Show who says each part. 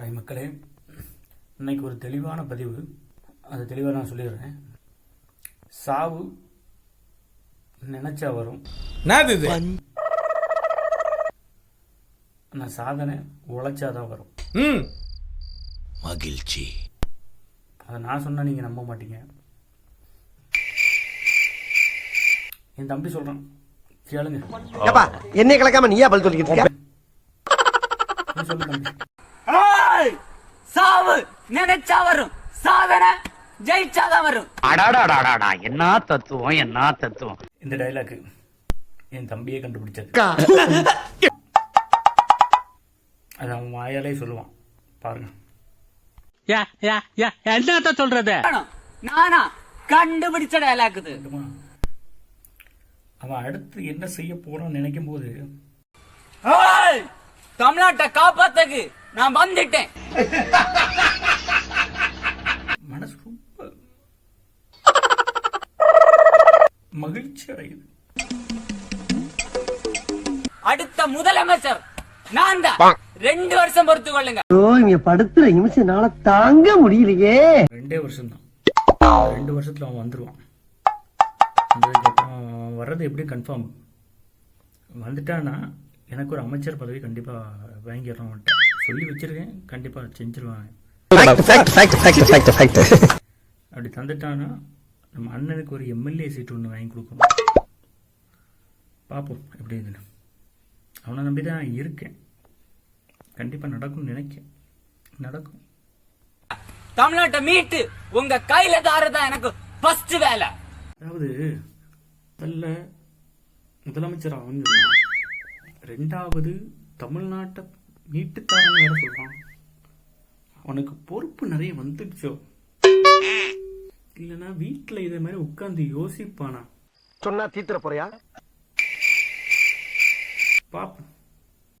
Speaker 1: Hi மக்களே, இன்னைக்கு ஒரு தெளிவான பதிவு. அது தெளிவாக நான் சொல்லிடுறேன். சாவு நினைச்சா வரும், ஆனால் சாதனை உழைச்சாதான் வரும்.
Speaker 2: மகிழ்ச்சி.
Speaker 1: அதை நான் சொன்னா நீங்க நம்ப மாட்டீங்க. என் தம்பி சொல்றான், கேளுங்க.
Speaker 3: என்னை கலக்காம நீயா பதில் சொல்லிக்கிட்டு இருக்க?
Speaker 1: நீ சொல்லு தம்பி.
Speaker 4: சாவு நினைச்சா வரும், சாதனை ஜெயிச்சாதான் வரும்.
Speaker 5: அடாடாடாடா, என்ன தத்துவம், என்ன தத்துவம்.
Speaker 1: இந்த டைலாக் என் தம்பியே கண்டுபிடிச்சது. அது அவன் வாயாலே சொல்லுவான், பாருங்க.
Speaker 5: என்ன சொல்றது?
Speaker 4: நானா கண்டுபிடிச்ச டயலாக் இது.
Speaker 1: அவன் அடுத்து என்ன செய்ய போறான்னு நினைக்கும் போது
Speaker 4: தமிழ்நாட்டை காப்பாத்தக்கு நான் வந்துட்டேன்.
Speaker 1: மனசு ரொம்ப மகிழ்ச்சி அடையுது.
Speaker 4: அடுத்த முதலமைச்சர் நான் தான். 2 வருஷம் பொறுத்து கொள்ளுங்க.
Speaker 3: இங்க படுத்துற நிமிஷம்னால தாங்க முடியலையே.
Speaker 1: 2 வருஷம்தான். 2 வருஷத்துல அவன் வந்துருவான். அதுக்கப்புறம் வர்றது எப்படி கன்ஃபார்ம். வந்துட்டான்னா எனக்கு ஒரு அமைச்சர் பதவி கண்டிப்பா வாங்கிடுறான். சொல்லி வச்சிருக்கேன், கண்டிப்பா செஞ்சிருவாங்க. அப்படி தந்துட்டானா நம்ம அண்ணனுக்கு ஒரு எம்எல்ஏ சீட் ஒன்று வாங்கி கொடுக்கணும். பார்ப்போம் எப்படி இதுன்னு. அவனை நம்பி தான் இருக்கேன். கண்டிப்பா நடக்கும்னு நினைக்கிறேன். நடக்கும்.
Speaker 4: தமிழ்நாட்டை மீட்டு உங்க கையில தாரதான் எனக்கு ஃபர்ஸ்ட் வேலை.
Speaker 1: அதாவது முதல்ல முதலமைச்சர் அவன் சொல்றான், 2வது தமிழ்நாட்டை மீட்டுத்தாரன்னு வேற சொல்றான். அவனுக்கு பொறுப்பு நிறைய வந்துடுச்சோ, இல்லைன்னா வீட்டுல இதே மாதிரி உட்கார்ந்து யோசிப்பானா?
Speaker 3: சொன்னா தீத்துற போறியா?
Speaker 1: பாப்போம்.